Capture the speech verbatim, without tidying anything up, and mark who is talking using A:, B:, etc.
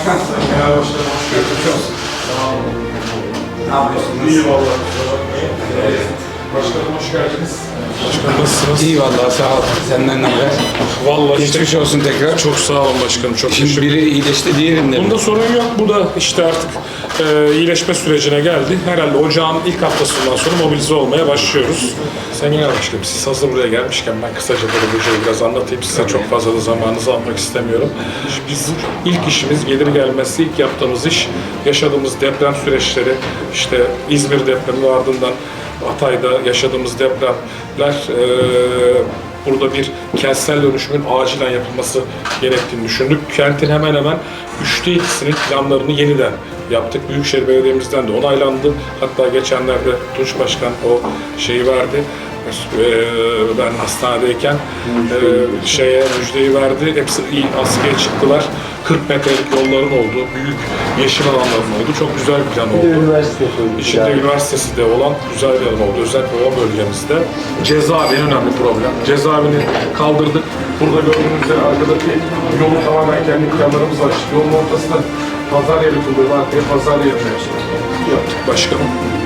A: Genel başkanım hoş geldiniz.
B: Ne yapıyorsunuz?
A: İyi vallahi. Başkanım hoş geldiniz. Başkanım nasılsınız?
B: İyi vallahi sağ ol. Senden ne haber?
A: Vallahi işte
B: Geçmiş olsun tekrar.
A: çok sağ olun başkanım. Çok
B: Şimdi
A: teşekkür
B: biri iyileşti diğerinde mi?
A: Bunda sorun yok. Bu da işte artık e, iyileşme sürecine geldi. Herhalde ocağın ilk haftasından sonra mobilize olmaya başlıyoruz. Sayın Genel Başkanım, siz hazır buraya gelmişken ben kısaca böyle hocayı biraz anlatayım size. Çok fazla da zamanınızı almak istemiyorum. Biz ilk işimiz gelir gelmesi ilk yaptığımız iş yaşadığımız deprem süreçleri, işte İzmir depremi ardından Hatay'da yaşadığımız depremler e, burada bir kentsel dönüşümün acilen yapılması gerektiğini düşündük. Kentin hemen hemen üçte ikisinin planlarını yeniden yaptık. Büyükşehir Belediye'mizden de onaylandı. Hatta geçenlerde Tunç Başkan o şeyi verdi. Ben hastanedeyken e, şeye müjdeyi verdi. Hepsi iyi askıya çıktılar. kırk metrelik yolların olduğu, büyük yeşil alanların olduğu çok güzel bir plan oldu.
C: Üniversite koyduk.
A: İçinde üniversitesi de olan güzel bir alan oldu. Özellikle o bölgemizde. Cezaevi en önemli problem. Cezaevini kaldırdık. Burada gördüğünüz üzere arkadaki yolu tamamen kendi planlarımızla açtık. Yolun ortasında pazar yeri kuruluyor. Arkaya pazar yerine yaptık başkanım.